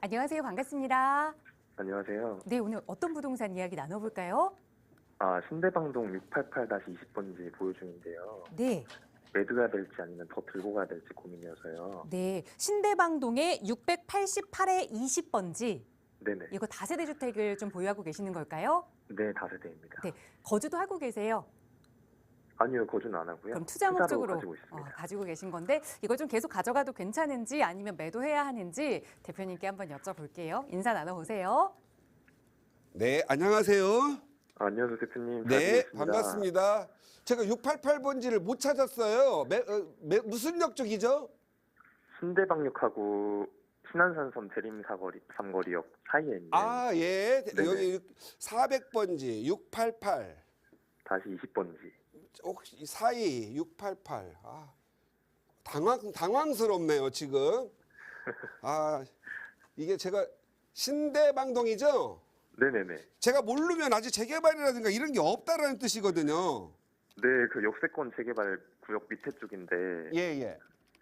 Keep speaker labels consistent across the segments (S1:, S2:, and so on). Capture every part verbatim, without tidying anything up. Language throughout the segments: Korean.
S1: 안녕하세요. 반갑습니다.
S2: 안녕하세요.
S1: 네, 오늘 어떤 부동산 이야기 나눠볼까요?
S2: 아, 신대방동 육팔팔 이십 번지 보유 중인데요.
S1: 네,
S2: 매도해야 될지 아니면 더 들고 가야 될지 고민이어서요.
S1: 네. 신대방동의 육백팔십팔 이십 번지.
S2: 네네.
S1: 이거 다세대 주택을 좀 보유하고 계시는 걸까요?
S2: 네, 다세대입니다.
S1: 네, 거주도 하고 계세요.
S2: 아니요, 거주는 안 하고요.
S1: 그럼 투자
S2: 투자로
S1: 목적으로
S2: 가지고
S1: 어,
S2: 있습니다.
S1: 가지고 계신 건데 이걸 좀 계속 가져가도 괜찮은지 아니면 매도해야 하는지 대표님께 한번 여쭤볼게요. 인사 나눠보세요.
S3: 네, 안녕하세요.
S2: 아, 안녕하세요, 대표님. 잘
S3: 네,
S2: 지내십니까?
S3: 반갑습니다. 제가 육팔팔 번지를 못 찾았어요. 매, 어, 매, 무슨 역 쪽이죠?
S2: 신대방역하고 신안산섬 대림 사거리 삼거리역 사이에 있는
S3: 아, 예.
S2: 네네.
S3: 여기 사백 번지 육팔팔.
S2: 다시 이십 번지.
S3: 혹시 사이 육팔팔. 아, 당황 당황스럽네요, 지금. 아, 이게 제가 신대방동이죠?
S2: 네네네.
S3: 제가 모르면 아직 재개발이라든가 이런 게 없다라는 뜻이거든요.
S2: 네, 그 역세권 재개발 구역 밑에 쪽인데
S3: 예, 예.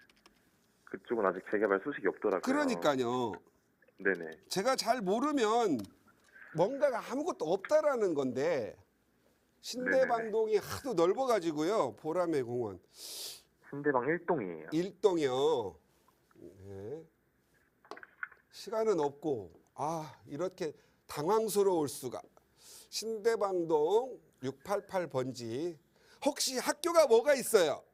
S2: 그쪽은 아직 재개발 소식이 없더라고요.
S3: 그러니까요.
S2: 네네.
S3: 제가 잘 모르면 뭔가가 아무것도 없다라는 건데 신대방동이 하도 넓어가지고요. 보라매 공원
S2: 신대방 일 동이에요.
S3: 일동이요. 네. 시간은 없고 아 이렇게 당황스러울 수가. 신대방동 육팔팔 번지 혹시 학교가 뭐가 있어요?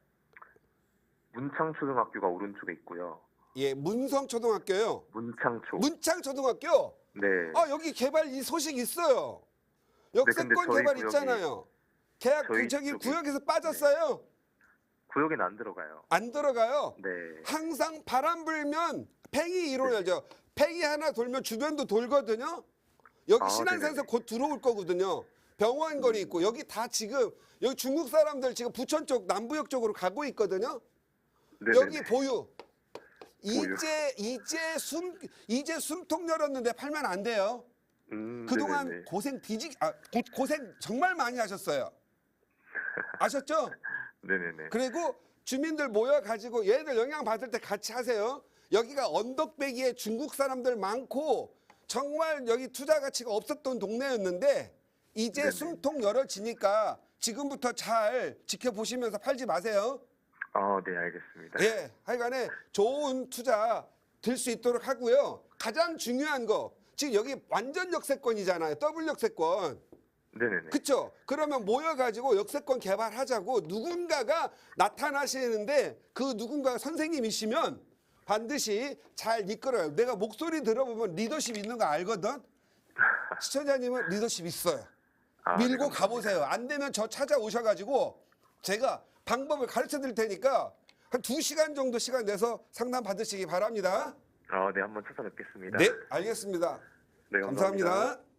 S2: 문창초등학교가 오른쪽에 있고요.
S3: 예, 문성초등학교요.
S2: 문창초.
S3: 문창초등학교.
S2: 네.
S3: 아 여기 개발 이 소식 있어요.
S2: 네, 근데
S3: 역세권
S2: 저희
S3: 개발
S2: 구역이-
S3: 있잖아요. 계약
S2: 저희
S3: 그 저기
S2: 쪽이-
S3: 구역에서 빠졌어요.
S2: 구역에는 안 들어가요.
S3: 안 들어가요.
S2: 네.
S3: 항상 바람 불면 팽이 일어나죠. 팽이 하나 돌면 주변도 돌거든요. 여기
S2: 아,
S3: 신안산에서
S2: 네네네.
S3: 곧 들어올 거거든요. 병원 거리 있고 여기 다 지금 여기 중국 사람들 지금 부천 쪽 남부역 쪽으로 가고 있거든요.
S2: 네네네.
S3: 여기 보유. 이제 이제 숨 이제 숨통 열었는데 팔면 안 돼요.
S2: 음,
S3: 그동안
S2: 네네네.
S3: 고생 뒤지 아 고, 고생 정말 많이 하셨어요. 아셨죠?
S2: 네네네.
S3: 그리고 주민들 모여 가지고 얘들 영향 받을 때 같이 하세요. 여기가 언덕배기에 중국 사람들 많고 정말 여기 투자 가치가 없었던 동네였는데 이제
S2: 네네.
S3: 숨통 열어지니까 지금부터 잘 지켜보시면서 팔지 마세요.
S2: 아, 네, 알겠습니다.
S3: 예, 하여간에 좋은 투자 될 수 있도록 하고요. 가장 중요한 거 지금 여기 완전 역세권이잖아요. 더블 역세권.
S2: 네네네.
S3: 그쵸? 그러면 모여가지고 역세권 개발하자고 누군가가 나타나시는데 그 누군가가 선생님이시면 반드시 잘 이끌어요. 내가 목소리 들어보면 리더십 있는 거 알거든? 시청자님은 리더십 있어요.
S2: 아, 네,
S3: 밀고
S2: 감사합니다.
S3: 가보세요. 안 되면 저 찾아오셔가지고 제가 방법을 가르쳐 드릴 테니까 한 두 시간 정도 시간 내서 상담 받으시기 바랍니다.
S2: 아, 네, 한번 찾아뵙겠습니다.
S3: 네, 알겠습니다.
S2: 네, 감사합니다.
S3: 감사합니다.